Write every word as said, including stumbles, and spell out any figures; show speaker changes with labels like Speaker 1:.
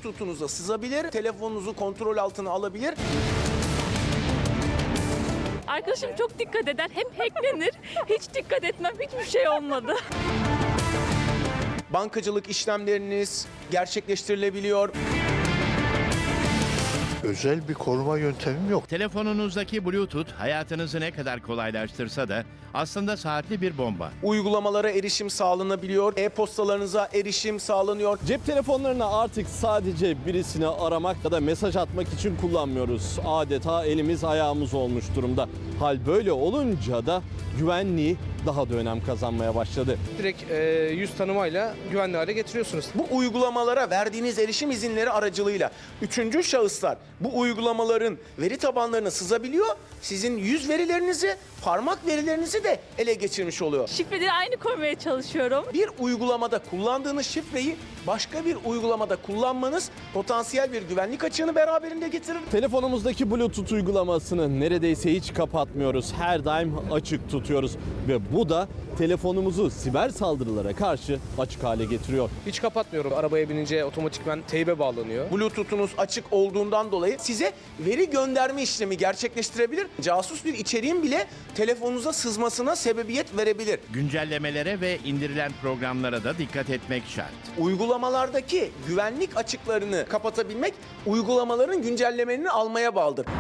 Speaker 1: Bluetooth'unuza sızabilir, telefonunuzu kontrol altına alabilir.
Speaker 2: Arkadaşım çok dikkat eder. Hep hacklenir. Hiç dikkat etmem. Hiçbir şey olmadı.
Speaker 1: Bankacılık işlemleriniz gerçekleştirilebiliyor.
Speaker 3: Özel bir koruma yöntemim yok.
Speaker 4: Telefonunuzdaki Bluetooth hayatınızı ne kadar kolaylaştırsa da aslında saatli bir bomba.
Speaker 1: Uygulamalara erişim sağlanabiliyor, e-postalarınıza erişim sağlanıyor.
Speaker 5: Cep telefonlarını artık sadece birisini aramak ya da mesaj atmak için kullanmıyoruz. Adeta elimiz ayağımız olmuş durumda. Hal böyle olunca da güvenliği daha da önem kazanmaya başladı.
Speaker 6: Direkt e, yüz tanımayla güvenli hale getiriyorsunuz.
Speaker 1: Bu uygulamalara verdiğiniz erişim izinleri aracılığıyla üçüncü şahıslar bu uygulamaların veri tabanlarına sızabiliyor. Sizin yüz verilerinizi, parmak verilerinizi de ele geçirmiş oluyor.
Speaker 2: Şifreleri aynı koymaya çalışıyorum.
Speaker 1: Bir uygulamada kullandığınız şifreyi başka bir uygulamada kullanmanız potansiyel bir güvenlik açığını beraberinde getirir.
Speaker 5: Telefonumuzdaki Bluetooth uygulamasını neredeyse hiç kapatmıyoruz. Her daim açık tutuyoruz ve bu da telefonumuzu siber saldırılara karşı açık hale getiriyor.
Speaker 6: Hiç kapatmıyorum. Arabaya binince otomatikman teybe bağlanıyor.
Speaker 1: Bluetooth'unuz açık olduğundan dolayı size veri gönderme işlemi gerçekleştirebilir. Casus bir içeriğin bile telefonunuza sızmasına sebebiyet verebilir.
Speaker 4: Güncellemelere ve indirilen programlara da dikkat etmek şart.
Speaker 1: Uygulamalardaki güvenlik açıklarını kapatabilmek uygulamaların güncellemelerini almaya bağlıdır.